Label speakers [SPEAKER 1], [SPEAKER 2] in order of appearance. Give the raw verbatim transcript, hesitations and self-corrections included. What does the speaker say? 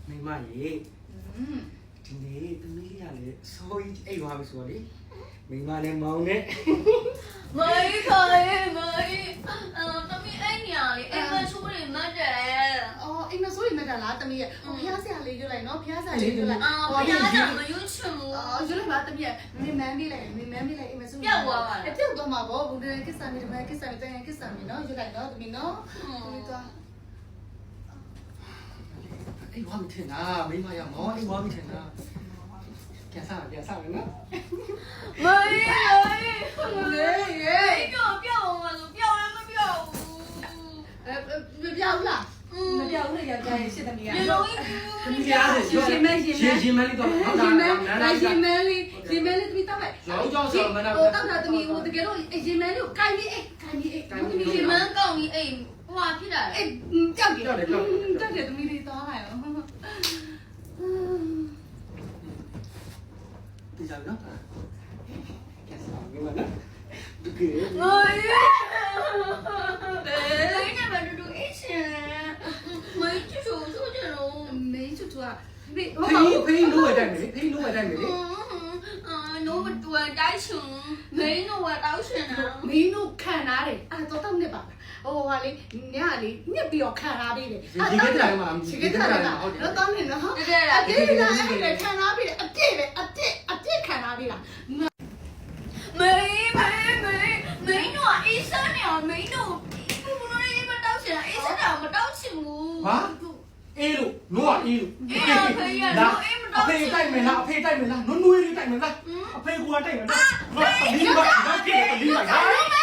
[SPEAKER 1] မိမရေဒီနေ့သမီးလေးကလည်းအစိုးရအိတ်သွားပြီဆိုတော့လေမိမလည်းမောင်းနဲ့
[SPEAKER 2] မေးခေါ်ရေမေးအော်သမီးအဲ့ညာလေးအဲ့မချိုးလေးမတ်တယ်
[SPEAKER 3] အော်အိမ်မဆိုးရင်မတ်တာလားသမီးရဲ့ဖျားဆရာလေးရွတ်လိုက်နော်ဖျားဆရာလေးရွတ်လိုက်
[SPEAKER 2] အော်ဖျားတာမရွတ်ချင်ဘူး
[SPEAKER 3] အော်ရွတ်လိုက်ပါသမီးရဲ့မင်းမန်းပေးလိုက်မင်းမန်းပေးလိုက်အိမ်မဆိုး
[SPEAKER 2] ပြောက်သွားပါလား
[SPEAKER 3] ပြောက်သွားမှာပေါ့ဘုံတည်းကစ္ဆာမီတမန်ကစ္ဆာမီတန်ကစ္ဆာမီနော်ရွတ်လိုက်နော်သမီးနော်သမီးသွား
[SPEAKER 1] အိတ်သွားပြီထင်တာမိမရမောင်းအိတ်သွားပြီထင်တာပြန်စားပြန်စားမယ်နော်
[SPEAKER 2] မေးမေး
[SPEAKER 3] လေရေ
[SPEAKER 2] ပြောက်ပြောက်အောင်လို့ပြောက်လည်းမပြောက်ဘူး
[SPEAKER 3] အဲမပြောက်လားမပြောက်ဘူးလေယောက်ျားရဲ့ရှစ်သမီးက
[SPEAKER 2] ရေလုံးကြီး
[SPEAKER 1] ပြားရှင်ရှင်မဲရှင်မဲရှင်မဲလေးတော့ဟုတ်တာ
[SPEAKER 3] ရှင်မဲလေးရှင်မဲလေးသမီးတောက်လိုက်
[SPEAKER 1] ရောင်းကြောင်းဆောမနာ
[SPEAKER 3] ဟိုတောက်တာသမီးဟိုတကယ်လို့ရှင်မဲလေးကိုကိုင်းပြီးအိတ်ကိုင်းပြီးအိတ်
[SPEAKER 2] သမီးရှင်မန်းကောင်းကြီးအိမ်ဟိုဟာဖြစ်တာ
[SPEAKER 3] အေးကြောက်တယ်ကြောက်တယ်ကြောက်တယ်သမီးလေးသွားလိုက်အောင်
[SPEAKER 1] ဒီကြောင်နော်ကဲစားမိမနော်ဒီကေ
[SPEAKER 2] မေးဘယ်နဲ့မတူတူအရှင်မေးချူချူဆိုကြတော့
[SPEAKER 3] မေးချူချူက
[SPEAKER 1] ဖေးဖေးလို့ရတိုင်းလေဖေးလို့ရတိုင်းလေ
[SPEAKER 2] အာနိုးမတူတိုင်းရှင်မင်းတို့ကတောက်ရှင်တာ
[SPEAKER 3] မင်းတို့ခံထားတယ်အဲ့တော့တော့နှစ်ပါဟိုဟာလေညလေညက်ပြီးတော့ခံထားပေးတယ်
[SPEAKER 1] ဒီကိစ္စတိုင်းမှာ
[SPEAKER 3] ဒီကိစ္စတိုင်းမှာဟုတ်တယ်တော့တော့နေနော်
[SPEAKER 2] တကယ်လား
[SPEAKER 3] အတိတ်ကအဲ့ဒါခံထားပေးတယ်အတိတ်ပဲအတိတ်အတိတ်ခံထားပေးတာ
[SPEAKER 2] မေးမေးမေးမင်းတို့အေးစမ်းနေအောင်မင်းတို့ဘုံလို့ရေးမတောက်ရှင်အေးစမ်းတာမတောက်ချင်ဘူး
[SPEAKER 1] ဟာအေးလို့နိုးကအေးလို့
[SPEAKER 2] အေးအဖေရနိုးအေးမတောက်
[SPEAKER 1] ချင်ဘူးအဖေတိုက်မယ်လားအဖေတိုက်မယ်လားနွနွေးလေးတိုက်မယ်လားအဖေကတိုက်မယ်လားငါတလီပါငါပြေတလီပါ